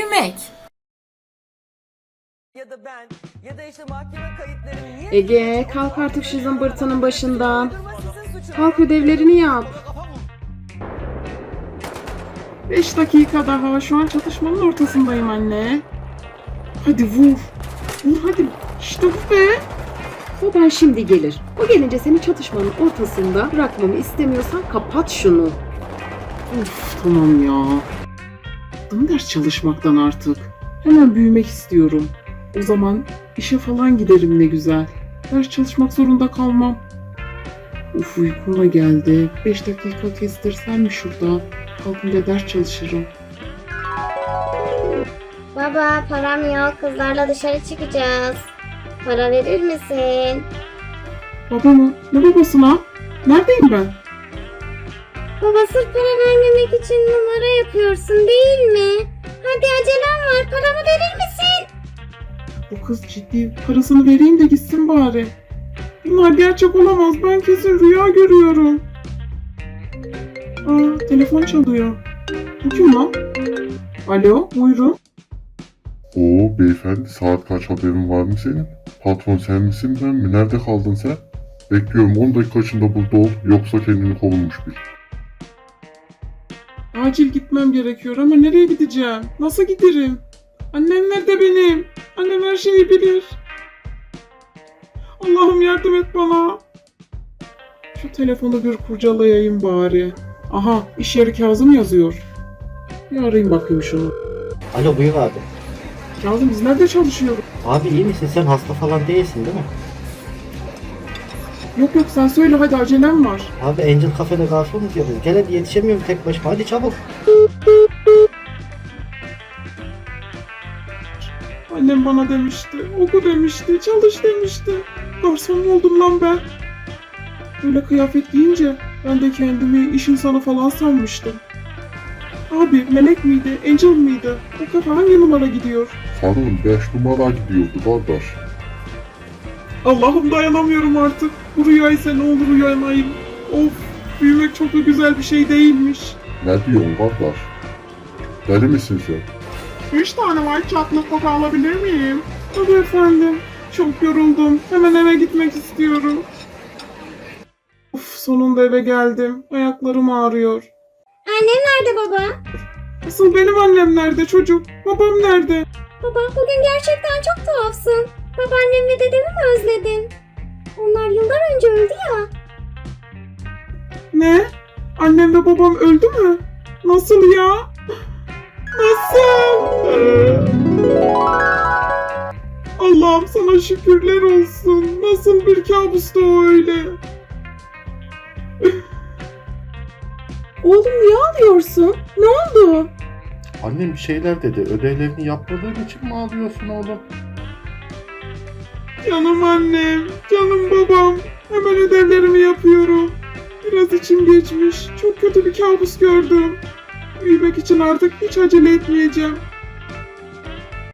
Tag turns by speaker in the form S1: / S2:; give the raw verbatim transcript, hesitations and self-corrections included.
S1: büyümek.
S2: Ya da ben ya da işte mahkeme kayıtları niye...
S3: Ege, kalk artık şu zımbırtının başından. Kalk, ödevlerini yap.
S4: Beş dakika daha. Şu an çatışmanın ortasındayım anne. Hadi vur. Vur hadi. İşte bu be.
S3: Baban şimdi gelir. O gelince seni çatışmanın ortasında bırakmamı istemiyorsan kapat şunu.
S4: Of tamam ya. Bıktım ders çalışmaktan artık. Hemen büyümek istiyorum. O zaman işe falan giderim ne güzel. Ders çalışmak zorunda kalmam. Uf uykum da geldi. Beş dakika kestirsem mi şurada? Kalkınca ders çalışırım.
S5: Baba, param yok. Kızlarla dışarı çıkacağız. Para verir misin?
S4: Baba mı? Ne babasına? Neredeyim ben?
S5: Baba, sırf para vermemek için numara yapıyorsun değil mi? Hadi acelem var. Paramı verir misin?
S4: Bu kız ciddi. Parasını vereyim de gitsin bari. Bunlar gerçek olamaz. Ben kesin rüya görüyorum. Aa, telefon çalıyor. Bu kim lan? Alo, buyurun.
S6: Oo beyefendi, saat kaç, haberin var mı senin? Patron sen misin ben mi? Nerede kaldın sen? Bekliyorum, on dakika içinde burada ol, yoksa kendini kovulmuş bil.
S4: Acil gitmem gerekiyor ama nereye gideceğim? Nasıl giderim? Annem nerede benim? Annem her şeyi bilir. Allah'ım yardım et bana. Şu telefonu bir kurcalayayım bari. Aha, iş yeri Kazım yazıyor. Bir arayayım bakayım şunu.
S7: Alo, buyur abi.
S4: Kazım, biz nerede çalışıyoruz?
S7: Abi iyi misin? Sen hasta falan değilsin değil mi?
S4: Yok yok, sen söyle hadi, acelem var.
S7: Abi Angel Cafe'de garsonuz ya biz. Gel hadi, yetişemiyorum tek başıma. Hadi çabuk.
S4: Annem bana demişti, oku demişti, çalış demişti. Garson mu oldum lan ben? Böyle kıyafet giyince ben de kendimi iş insanı falan sanmıştım. Abi melek miydi, angel mıydı? O kafa hangi numara gidiyor?
S6: Sanırım beş numara gidiyordu kardeş.
S4: Allah'ım dayanamıyorum artık. Bu rüyaysa ne olur uyanayım. Of, büyümek çok da güzel bir şey değilmiş.
S6: Ne diyorsun kardeş? Deli misin sen?
S4: Üç tane white chocolate coca alabilir miyim? Tabii efendim. Çok yoruldum. Hemen eve gitmek istiyorum. Of, sonunda eve geldim. Ayaklarım ağrıyor.
S5: Annem nerede baba?
S4: Asıl benim annem nerede çocuk? Babam nerede?
S5: Baba, bugün gerçekten çok tuhafsın. Babaannem ve dedemi mi özledin? Onlar yıllar önce öldü ya.
S4: Ne? Annem ve babam öldü mü? Nasıl ya? Nasıl? Allah'ım sana şükürler olsun. Nasıl bir kabustu o öyle? Oğlum niye ağlıyorsun? Ne oldu?
S6: Annem bir şeyler dedi. Ödevlerini yapmadığın için mi ağlıyorsun oğlum?
S4: Canım annem, canım babam. Hemen ödevlerimi yapıyorum. Biraz içim geçmiş. Çok kötü bir kabus gördüm. Büyümek için artık hiç acele etmeyeceğim.